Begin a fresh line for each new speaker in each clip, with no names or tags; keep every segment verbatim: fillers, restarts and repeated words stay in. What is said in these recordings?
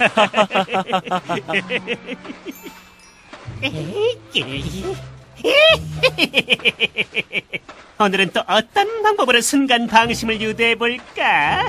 오늘은 또 어떤 방법으로 순간 방심을 유도해볼까?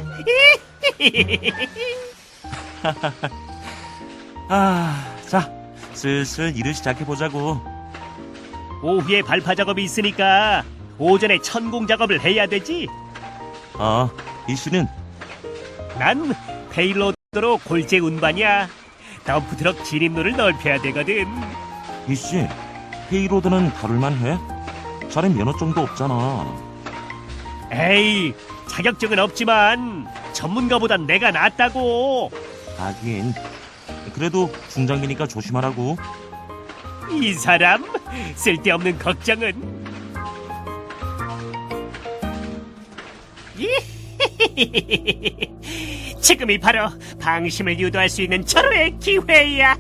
아, 자, 슬슬 일을 시작해보자고.
오후에 발파 작업이 있으니까 오전에 천공 작업을 해야 되지.
아, 이씨는?
난 페일로드로 골재 운반이야. 덤프트럭 진입로를 넓혀야 되거든.
이씨, 페이로드는 다룰만 해? 자네 면허증도 없잖아.
에이, 자격증은 없지만 전문가보단 내가 낫다고.
하긴, 그래도 중장비니까 조심하라고.
이 사람 쓸데없는 걱정은. 지금이 바로 방심을 유도할 수 있는 절호의 기회야.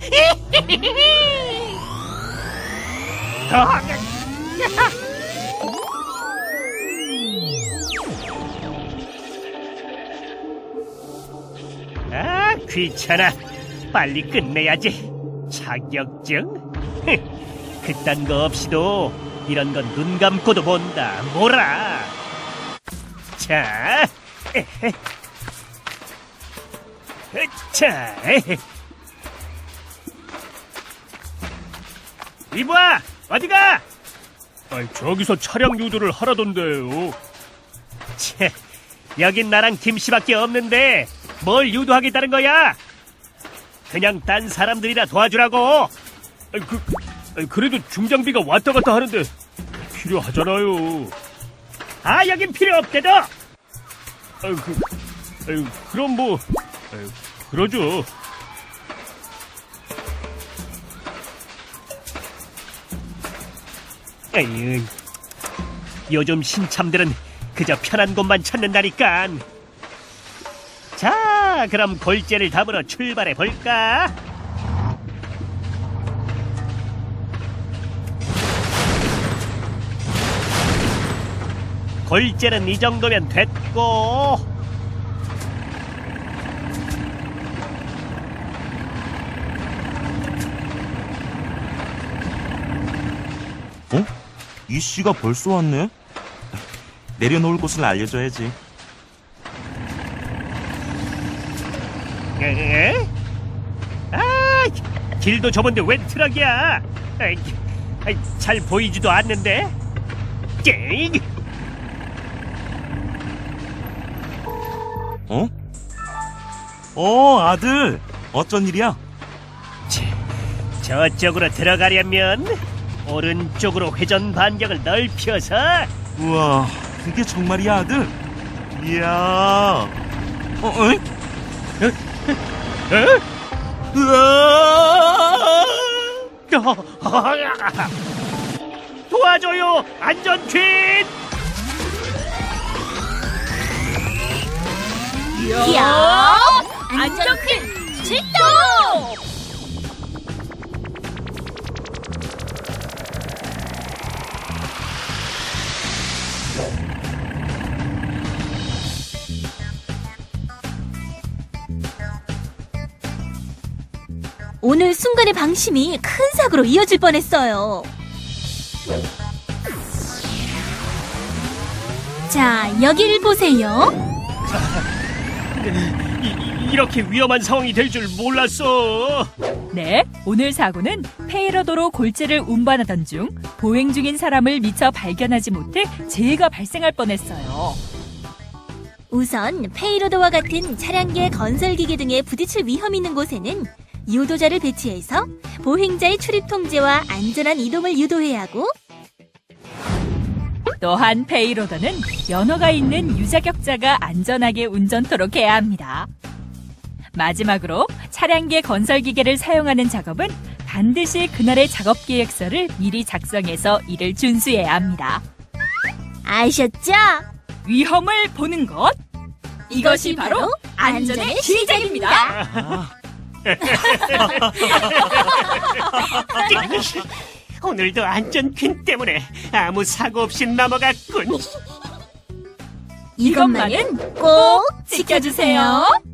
아, 귀찮아. 빨리 끝내야지. 자격증? 그딴 거 없이도 이런 건 눈 감고도 본다. 뭐라. 자, 에헤. 자, 에헤. 이봐, 어디가?
아니, 저기서 차량 유도를 하라던데요.
채, 여긴 나랑 김씨밖에 없는데 뭘 유도하겠다는 거야? 그냥 딴 사람들이라 도와주라고.
아니, 그, 아니, 그래도 중장비가 왔다 갔다 하는데 필요하잖아요.
아, 여긴 필요 없대도.
아니, 그, 아니, 그럼 뭐, 아니, 그러죠.
에이, 요즘 신참들은 그저 편한 곳만 찾는다니까. 자, 그럼 골재를 담으러 출발해 볼까? 골재는 이 정도면 됐고,
어? 이씨가 벌써 왔네? 내려놓을 곳을 알려줘야지.
에? 아, 길도 좁은데 웬 트럭이야? 아이, 아이, 잘 보이지도 않는데. 쨍!
어? 어, 아들! 어쩐 일이야?
저쪽으로 들어가려면 오른쪽으로 회전 반경을 넓혀서.
우와, 그게 정말이야, 아들? 이야. 어, 어?
에?
으아!
도와줘요, 안전퀸!
이야! 안전퀸 출동! 오늘 순간의 방심이 큰 사고로 이어질 뻔했어요. 자, 여기를 보세요.
이, 이렇게 위험한 상황이 될 줄 몰랐어.
네, 오늘 사고는 페이로도로 골재를 운반하던 중 보행 중인 사람을 미처 발견하지 못해 재해가 발생할 뻔했어요.
우선 페이로드와 같은 차량계 건설기계 등에 부딪힐 위험이 있는 곳에는 유도자를 배치해서 보행자의 출입 통제와 안전한 이동을 유도해야 하고,
또한 페이로더는 연어가 있는 유자격자가 안전하게 운전토록 해야 합니다. 마지막으로 차량계 건설기계를 사용하는 작업은 반드시 그날의 작업 계획서를 미리 작성해서 이를 준수해야 합니다.
아셨죠?
위험을 보는 것, 이것이 바로 안전의 시작입니다.
아,
오늘도 안전퀸 때문에 아무 사고 없이 넘어갔군.
이것만은 꼭 지켜주세요.